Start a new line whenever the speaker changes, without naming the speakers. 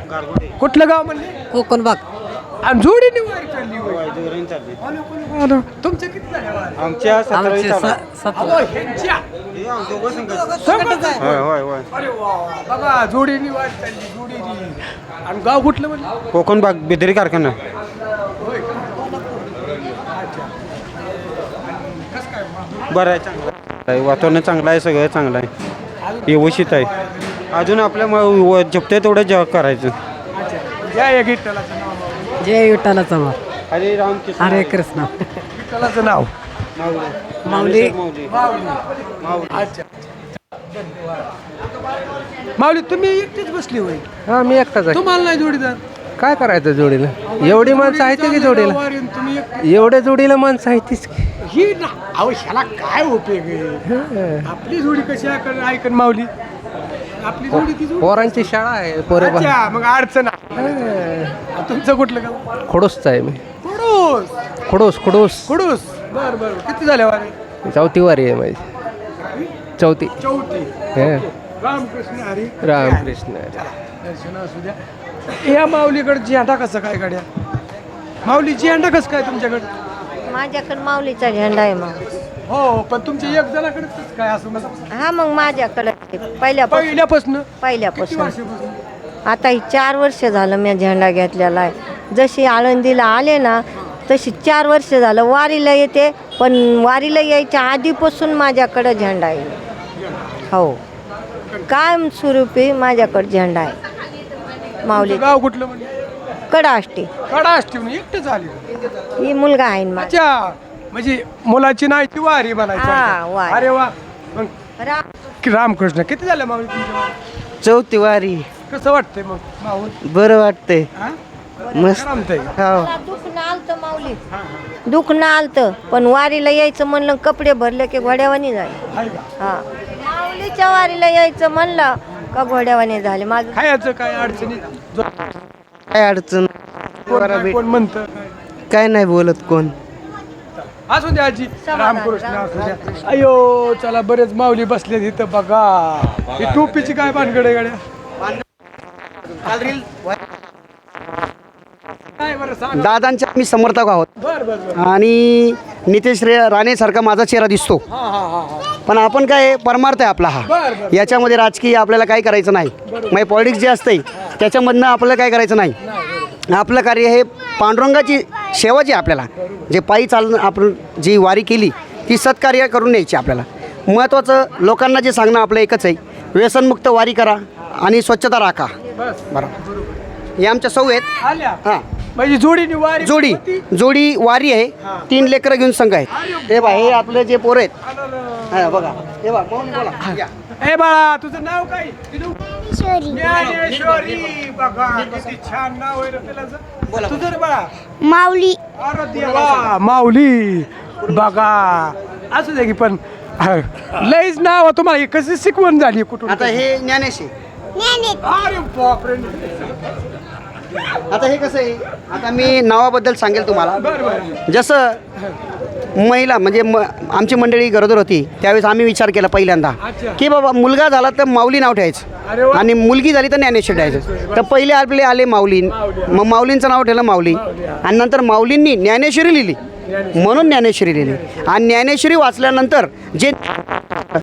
कुठलं गाव म्हणले?
कोकण भाग.
आणि जोडीने वारी चालली होय. तुमचे किती झाले वारी?
आमच्या
आमचे 17.
अहो, ह्यांच्या. संगत आहे. अरे वा, बघा जोडीने वारी चालली जोडीने. आणि गाव कुठलं म्हणलं?
कोकण भाग बेदरी कारखाना.
होय का? अच्छा. कसं काय मग?
बरं आहे, चांगलं आहे. वातावरण चांगलं आहे, सगळं चांगलं आहे, व्यवस्थित आहे. अजून आपल्या झपते तेवढं जग करायचं.
अच्छा. जय विठ्ठलाचं नाव.
जय विठ्ठलाचा मार.
हरे राम कृष्ण
हरे कृष्ण.
विठ्ठलाचं नाव.
माऊली.
अच्छा. माऊली तुम्ही एकटीच बसली होय?
हा मी एकटाच आहे.
तुम्हाला नाही जोडीदार?
काय करायचं जोडीला? एवढी माणसं आहेत की जोडीला?
वारीन तुम्ही
एवढ्या जोडीला माणसं आहेतच की.
ही ना अहो ह्याला काय उपयोग आहे? आपली जोडी कशी ऐकन माऊली. आपली जोडी ती जोडी.
पोरांची शाळा आहे पोरे
अच्छा, मग अडचण आहे. तुमचं कुठलं गाव?
खोडूसच आहे मी.
कुडूस.
खोडूस
कुडूस. बर बर. किती झाल्या वारी?
चौथी वारी आहे माझी. चौथी.
चौथी. रामकृष्ण हरी.
रामकृष्ण.
दर्शन असू द्या. या माऊलीकडे झेंडा कसं काय गाड्या? माऊली झेंडा कसं काय तुमच्याकडे?
माझ्याकडे माऊलीचा झेंडा आहे मग.
हो, पण तुमच्या एक जणाकडे कसं काय असं मला
हा मग माझ्याकडे पहिल्यापासून
पहिल्यापासून किती
पहिल्यापासून
वर्षापासून?
आता ही 4 वर्ष झालं मी झेंडा घेतलेला आहे. जशी आळंदीला आले ना तशी 4 वर्ष झालं वारीला येते, पण वारीला यायच्या आधीपासून माझ्याकडे झेंडा आहे. हो, कायम स्वरूपी माझ्याकडे झेंडा आहे. माऊली
गाव कुठलं म्हणजे?
कडाष्टी.
कडाष्टीहून एकटे झाले.
ही मुलगा आहे ना माझा.
अच्छा, म्हणजे मुलाची नाही ती वारी
हा,
म्हणायची.
वारी.
अरे वा. मग
राम
रामकृष्ण किती झालं माऊली तुमच्या वारी?
चौथी वारी.
कसं वाटतंय मग माऊल?
बरं वाटतंय.
हा?
मस्त.
करमतंय.
दुःख ना आलतं माऊली, दुःख ना आलतं, पण वारीला यायचं म्हणलं कपडे भरले की घोड्यावानी झाले.
आहे का?
हा, माऊलीच्या वारीला यायचं म्हणलं का घोड्यावानी झाले. माझं
खायचं काय अडचणी?
काय अडचण?
कोण म्हणतं?
काय नाही बोलत कोण.
असू द्या आजी.
समाधान,
रामकृष्ण असू द्या.
रामकृष्ण.
अयो चला, बरेच माऊली बसले इथं बघा. ही टोपीची काय भानगड गाड्या? काय बरं सांग.
दादांचे आम्ही समर्थक आहोत
बर बर बर.
आणि नितेश राणेसारखा माझा चेहरा दिसतो,
हा हा हा हा.
पण आपण काय परमार्थ आहे आपला
बर,
हा.
बर.
याच्यामध्ये राजकीय आपल्याला काय करायचं नाही. म्हणजे पॉलिटिक्स जे असते त्याच्यामधनं आपल्याला काय करायचं नाही. आपलं कार्य हे पांडुरंगाची सेवा जी आपल्याला जे पायी चालणं आपण जी वारी केली ती सत्कार्य करून न्यायची. आपल्याला महत्त्वाचं लोकांना जे सांगणं आपलं एकच आहे, व्यसनमुक्त वारी करा आणि स्वच्छता राखा.
बस.
बरोबर. हे आमच्या सौ आहेत.
आल्या.
हां,
म्हणजे जोडीने वारी
जोडी वारी आहे. 3 लेकरं घेऊन संघ आहेत. हे बा, हे आपले जे पोरं आहेत. हा, बघा हे बा, पाहून बोला. या.
ए बाळा, तुझं नाव काय? ज्ञानेश्वरी. बघा किती छान नाव आहे रे त्याचं. तुझं रे बाळा?
माऊली.
अरे देवा, माऊली. बघा असू दे की, पण लईच नाव तुम्हाला हे कशी शिकवण झाली कुठून?
आता हे ज्ञानेश आहे.
अरे बापरे.
आता हे कसं आहे, आता मी नावाबद्दल सांगेल तुम्हाला.
बरं बरं.
जसं महिला म्हणजे आमची मंडळी गरोदर होती त्यावेळेस आम्ही विचार केला पहिल्यांदा
अच्छा.
की बाबा मुलगा झाला तर माऊली नाव
अरे
ठेवायचं
वा.
आणि मुलगी झाली तर ज्ञानेश्वर ठेवायचं. तर पहिले आपले आले माऊली, मग माऊलींचं नाव ठेवलं माऊली, आणि नंतर माऊलींनी ज्ञानेश्वरी लिहिली म्हणून ज्ञानेश्वरी लिहिली. आणि ज्ञानेश्वरी वाचल्यानंतर जे